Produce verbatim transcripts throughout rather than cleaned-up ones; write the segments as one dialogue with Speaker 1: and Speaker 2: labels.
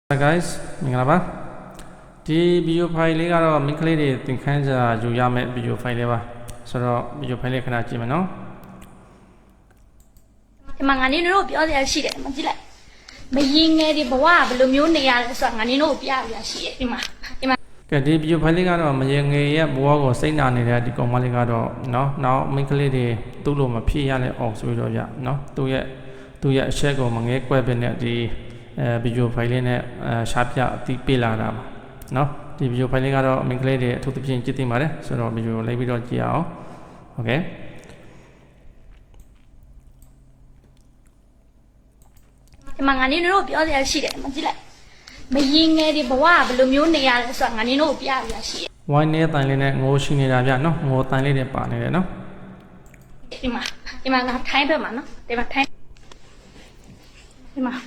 Speaker 1: Hi guys မင်္ဂလာပါဒီ video file လေးကတော့ main ကလေးတွေသင်ခန်းစာယူရမယ့် video file လေးပါဆိုတော့ video file လေးခဏကြည့်မယ်နော်
Speaker 2: ဒီမှာငါနေတို့ပြောစရာရှိတယ်မကြည့်လိုက်မရင်ငယ်ဒီဘဝဘယ်လိုမျိုးနေရလဲဆိုတာငါနေတို့ပြရရှိတယ်ဒီမှာဒီမှာ
Speaker 1: ကဲဒီ video file လေးကတော့မရင်ငယ်ရဲ့ဘဝကိုစိတ်နာနေတဲ့ဒီကောင်မလေးကတော့နော်နောက် main ကလေးတွေသူ့လိုမဖြစ်ရလဲအောင်ဆိုပြီးတော့ပြနော်သူ့ရဲ့သူ့ရဲ့အချက်ကိုမငဲကွဲပဲနဲ့ဒီအဲ video file လေးနဲ့ရှားပြအတိပေးလာတာပါเนาะဒီ video file လေးကတော့ main ကလေးတွေအထူးသဖြင့်ကြည့်သိပါတယ်ဆိုတော့ video ကိုလိုက်ပြီးတော့ကြည့်အောင် okay
Speaker 2: ဒီမှာငါနေတို့ပြောစရာရှိတယ်မကြည့်လိုက်မရင်ငယ်ဒီဘဝဘယ်လိုမျိုးနေရလဲဆိုတာငါနေတို့ပြရရှိတယ်
Speaker 1: wine နဲ့တိုင်လေးနဲ့ငိုးရှိနေတာဗျเนาะငိုတိုင်လေးတွေပါနေတယ်เนาะ
Speaker 2: ဒီမှာဒီမှာငါထိုင်းဘက်မှာเนาะဒီမှာထိုင်းဒီမှာ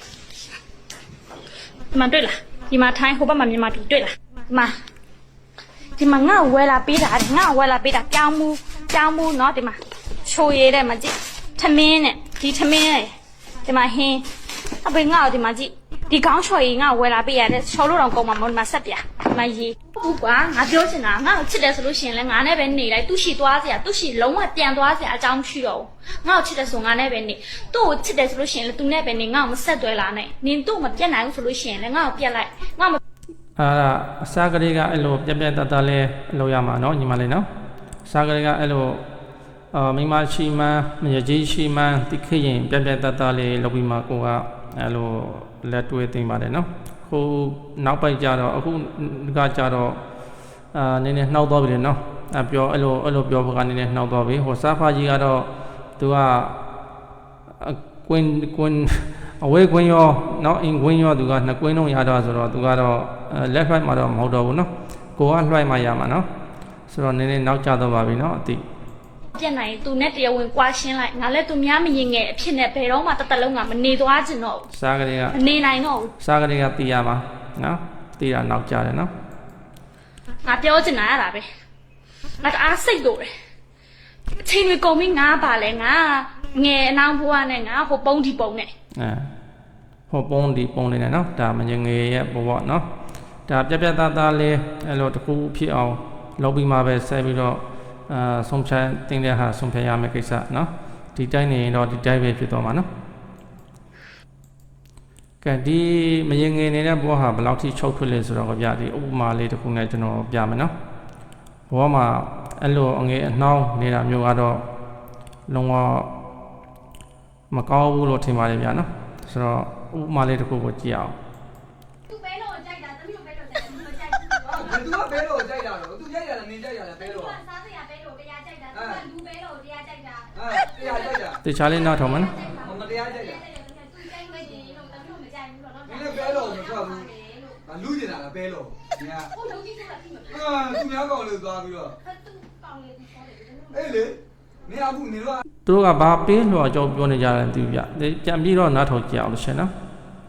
Speaker 2: ဒီမှာတွေ့လားဒီမှာထိုင်းဟိုဘက်မှာမြန်မာပြည်တွေ့လားဒီမှာဒီမှာငါ့ဝဲလာပေးတာငါ့ဝဲလာပေးတာပြောင်းမှုပြောင်းမှုเนาะဒီမှာချိုရည်တဲ့မကြည့်ထမင်းနဲ့ဒီထမင်းနဲ့ဒီမှာဟင်းအပေငါ့ဒီမှာကြည့်ဒီကောင်းချော်ရည်ငါ့ဝဲလာပေးရတဲ့ချော်လို့တော့ကောင်းမှာမဟုတ်ဒီမှာဆက်ပြဒီမှာရေးဟုတ်ကွာငါပြောချင်တာငါ့ကိုချစ်တယ်ဆိုလို့ရှိရင်လည်းငါနဲ့ပဲနေလိုက်သူ့ရှိသွားစရာသူ့ရှိလုံးဝပြန်သွားစရာအကြောင်းမရှိတော့ဘူးငါ့ကိုချစ်တယ်ဆိုငါနဲ့ပဲနေသူ့ကိုချစ်တယ်ဆိုလို့ရှိရင်လည်းသူနဲ့ပဲနေငါ့ကိုမဆက်သွဲလာနဲ့နင်သူ့မပြတ်နိုင်ဘူးဆိုလို့ရှိရင်လည်းငါ့ကိုပြတ်လိုက်ငါ့မ
Speaker 1: အာအစားကလေးကအဲ့လိုပြက်ပြက်တတ်တတ်လေးလုပ်ရမှာเนาะညီမလေးเนาะအစားကလေးကအဲ့လိုအာမိမရှိမှန်းမရကြီးရှိမှန်းတိခရင်ပြက်ပြက်တတ်တတ်လေးလုပ်ပြီးမှကိုကအဲ့လိုလက်တွဲသိမ်းပါတယ်เนาะခုနောက်ပိုက်ကြတော့အခုကကြတော့အာနည်းနည်းနှောက်သွားပြီလေเนาะအပြောအဲ့လိုအဲ့လိုပြောဖို့ကနည်းနည်းနှောက်သွားပြီဟိုစားဖာကြီးကတော့သူကကွင်းကွင်းအဝေးကွင်းရောနောက်အင်ကွင်းရောသူကနှစ်ကွင်းလုံးရတော့ဆိုတော့သူကတော့လက်ဖက်မှာတော့မဟုတ်တော့ဘူးเนาะကိုကလွှိုက်မှရမှာเนาะဆိုတော့နည်းနည်းနောက်ကျတော့ပါပြီเนาะအတိ
Speaker 2: ပြတ်နိုင်သူနဲ့တရားဝင်ကွာရှင်းလိုက်ငါလည်းသူများမရင်ငယ်အဖြစ်နဲ့ဘယ်တော့မှတသက်လုံးကမနေသွားချင်တော့ဘူး
Speaker 1: စားကလေးက
Speaker 2: မနေနိုင်တော့ဘူး
Speaker 1: စားကလေးကတီးရမှာနော်တီးတာနောက်ကျတယ်နော်
Speaker 2: ငါပြောချင်တာရတာပဲငါအားစိတ်လို့တယ်အချိန်တွေကုန်ပြီငါပါလဲငါငယ်အနောင်ဘွားနဲ့ငါဟိုပုံးဒီပုံးနဲ့
Speaker 1: အဲဟိုပုံးဒီပုံးလေးနဲ့နော်ဒါမငယ်ရဲ့ဘဝနော်ဒါပြက်ပြက်သားသားလေးအဲ့လိုတခုဖြစ်အောင်လုပ်ပြီးမှပဲဆက်ပြီးတော့အာဆုံးဖြတ်တင်တဲ့ဟာဆုံးဖြတ်ရမယ့်ကိစ္စနော်ဒီတိုင်းနေရင်တော့ဒီတိုင်းပဲဖြစ်သွားမှာနော်ကဲဒီမရင်ငယ်နေတဲ့ဘဝဟာဘယ်လောက်ထိချုပ်ထွေးလဲဆိုတော့ဗျာဒီဥပမာလေးတစ်ခုနဲ့ကျွန်တော်ပြမယ်နော်ဘဝမှာအဲ့လိုအငယ်အနှောင်းနေတာမျိုးကတော့လုံးဝမကောင်းဘူးလို့ထင်ပါတယ်ဗျာနော်ဆိုတော့ဥပမာလေးတစ်ခုကိုကြည့်အောင်
Speaker 2: သူပဲလို့ကြိုက်တာသမီးတို့ပဲလို့ကြိုက်တာသူမကြိုက်ဘူး
Speaker 3: သူကပဲလို့ကြိုက်တာတော့သူကြိုက်ရတာနင်ကြိုက်ရတာပဲလို့
Speaker 2: စားစရာပဲလို့တရားကြိုက်တာသူကလူပဲလို့တရားကြိုက်တာ
Speaker 3: အဲတရားကြိုက်တာ
Speaker 1: တခြားလေးနောက်ထောင်မနော်
Speaker 3: မတရားကြိုက်တာ
Speaker 2: သူကြိုက်နေတယ်လို့သမီးတို့မကြိုက်ဘူးတော့
Speaker 3: နင်လည်းပဲလို့မထွက်ဘူးငါလူကျင်တာလားပဲလို့နင်က
Speaker 2: ဟိုလုံးကြီးဆိုတာသိမှာ
Speaker 3: အာသူများကောင်လေးသွားပြီးတော့
Speaker 2: သူကောင်းလေးသူခေါ်တယ်
Speaker 3: အေးလေနင်အခုနင်တို့က
Speaker 1: သူတို့ကဘာပေးလို့အကြောင်းပြောနေကြတယ်သူပြပြန်ပြီးတော့နားထောင်ကြအောင်လို့ရှင်နော်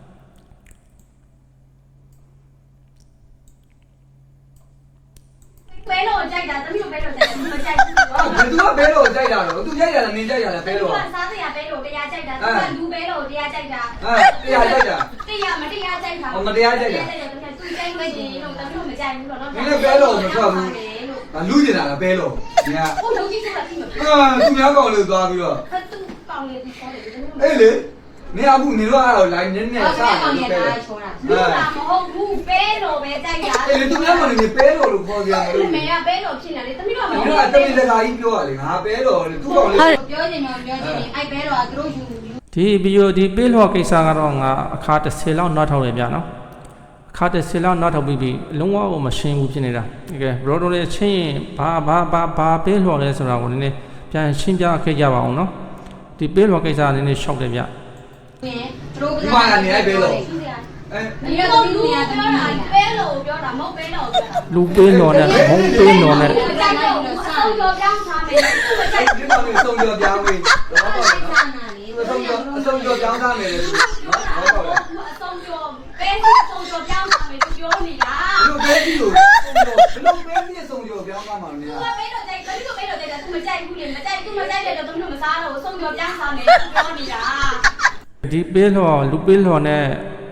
Speaker 2: ပဲလို့ကြိုက်တာသမီးတို့ပဲလို့ကြိုက်တာမကြိုက်ဘူး
Speaker 3: အာသူကပဲလို့ကြိုက်တာတော့သူကြိုက်ရတာနင်ကြိုက်ရတာပဲလို့
Speaker 2: သူကစားစရာပဲလို့တရားကြိုက်တာသူကလူပဲလို့တရားကြိုက်တာ
Speaker 3: အဲတရားကြိုက်တာ
Speaker 2: တရားမတရားကြိုက်တာ
Speaker 3: မတရားကြိုက်တာ
Speaker 2: သူကြိုက်နေတယ်လို့သမီးတို့မကြိုက်ဘူးတော့
Speaker 3: နင်လည်းပဲလို့မထွက်ဘူးငါလူကျင်တာလားပဲလို့နင်က
Speaker 2: ဟိုလုံးကြီးဆိုတာသိမှာ
Speaker 3: အာသူများကောင်လေးသွားပြီးတော့
Speaker 2: သူကောင်းလေးသူခေါ်တယ်
Speaker 3: အေးလေနင်အခုနင်တို့အဲ့တော့ line နည်းနည်းစား
Speaker 2: နေတယ်ပဲချောတာလူကမဟုတ်ဘူးပဲလို့ပဲကြိုက်တာ
Speaker 3: အေးလေသူများကောင်လေးပဲလို့လို့ခေါ်ကြတယ်
Speaker 2: မေကပဲလို့ဖြစ်နေလေသမီးတို့ကမ
Speaker 3: ဟုတ်ဘူး။တမင်တကာကြီးပြောရလေငါပဲတော့လေသူ့ကောင်လေး
Speaker 2: ပြောချင်တော့ပြောချင်တယ်အဲ့ပဲတော့သူတို့ယူ
Speaker 1: ဒီဗီဒီယိုဒီပေးလို့ကိစ္စကတော့ငါအခါတစ်ဆယ်လောက်နောက်ထောင်ရပြနော်အခါတစ်ဆယ်လောက်နောက်ထောင်ပြီးပြီးလုံးဝကိုမရှင်းဘူးဖြစ်နေတာโอเคဘရော်ဒိုလေးချင်းရင်ဘာဘာဘာဘာပေးလို့လဲဆိုတာကိုနည်းနည်းပြန်ရှင်းပြခဲ့ကြပါအောင်နော်ဒီပေးလို့ကိစ္စကနည်းနည်းရှောက်တယ်ဗျ
Speaker 3: ဒီမှာနေလိုက်ပဲလို့
Speaker 2: အဲဒီတော့လူပြောတာပဲလို့ပြောတာမဟုတ်ပဲလို့ပြောတာ
Speaker 1: လူပေးလို့နဲ့မုံပေးလို့နဲ့
Speaker 2: အဆုံးကြောပြောင်းထားမယ်သူမကြိုက်
Speaker 3: ဒီကောင်လေးအဆုံးကြောပြောင်းပြီတော့ပေါ့နော်အဆုံးကြောအဆုံးကြောပြောင်းထားမယ်လေနော်တော့ပေါ့
Speaker 2: အဆုံးကြောပဲအဆုံးကြောပြောင်းထားမယ်သူပြောနေတာ
Speaker 3: ဘယ်လိုပဲဒီလိုဘယ်လိုပဲဒီအဆုံးကြောပြောင်းထားမှာလဲ
Speaker 2: သူကပဲလို့ကြိုက်တယ်သူပဲလို့ကြိုက်တာသူမကြိုက်ဘူးလေမကြိုက်သူမကြိုက်တယ်တော့သူတို့မစားတော့အဆုံးကြောပြောင်းထားမယ်သူပြောနေတာ
Speaker 1: ဒီပေးလို့လူပေးလို့နဲ့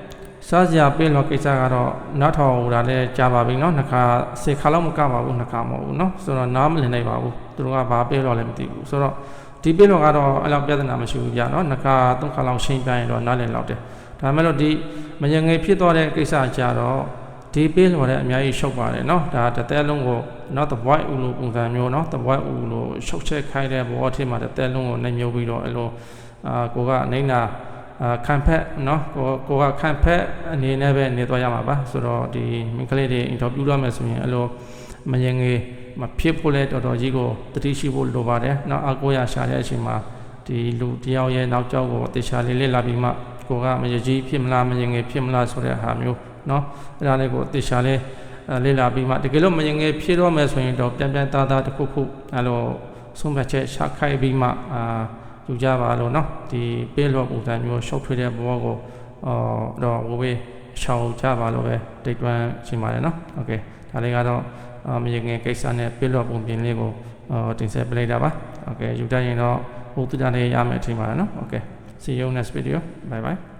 Speaker 1: စားစရာပေးလို့ကိစ္စကတော့နောက်ထောင်လာလဲကြာပါပြီเนาะနှစ်ခါစေခါလောက်မကပါဘူးနှစ်ခါမဟုတ်ဘူးเนาะဆိုတော့နားမလည်နိုင်ပါဘူးသူတို့ကဘာပေးလို့လဲမသိဘူးဆိုတော့ဒီပေးလို့ကတော့အဲ့လောက်ပြဿနာမရှိဘူးကြာเนาะနှစ်ခါသုံးခါလောက်ရှင်းပြရင်တော့နားလည်လောက်တယ်ဒါမဲ့လို့ဒီမငငယ်ဖြစ်သွားတဲ့ကိစ္စကြတော့ဒီပေးလို့လည်းအများကြီးရှုပ်ပါတယ်เนาะဒါတစ်သက်လုံးကိုเนาะ the void ဦးလို့ပုံစံမျိုးเนาะ the void ဦးလို့ရှုပ်ချက်ခိုင်းတဲ့ဘောအထက်မှာတစ်သက်လုံးကိုနှိမ်မျိုးပြီးတော့အဲ့လိုအာကိုကနိုင်နာအာခံဖက်เนาะကိုကိုကခံဖက်အနေနဲ့ပဲနေသွားရမှာပါဆိုတော့ဒီမိန်းကလေးတွေအင်တာဗျူးရမယ်ဆိုရင်အဲ့လိုမငငယ်မဖြစ်ဖို့လဲတော်တော်ကြီးကိုတတိရှိဖို့လိုပါတယ်เนาะအကိုရရှာတဲ့အချိန်မှာဒီလူတယောက်ရဲ့နောက်ကျောက်ကိုတေချာလေးလေးလာပြီးမှကိုကမရကြီးဖြစ်မလားမငငယ်ဖြစ်မလားဆိုတဲ့ဟာမျိုးเนาะအဲ့ဒါလေးကိုတေချာလေးလေးလာပြီးမှတကယ်လို့မငငယ်ဖြစ်တော့မယ်ဆိုရင်တော့ပြန်ပြန်သားသားတစ်ခုခုအဲ့လိုဆုံးဖြတ်ချက်ရှာခိုက်ပြီးမှအာယူကြပါလို့เนาะဒီပေးလို့ပုံစံမျိုးရှောက်ထွေးတဲ့ဘောကိုအော်တော့ဝေးရှောက်ကြပါလို့ပဲတိတ်တွန်းရှင်းပါတယ်เนาะโอเคဒါလေးကတော့မငငယ်ကိစ္စနဲ့ပေးလို့ပုံပြင်လေးကိုတင်ဆက်ပေးလိုက်တာပါโอเคယူတတ်ရင်တော့ဘုသူတန်လေးရမယ်ထင်ပါတယ်เนาะโอเคsee you next video bye bye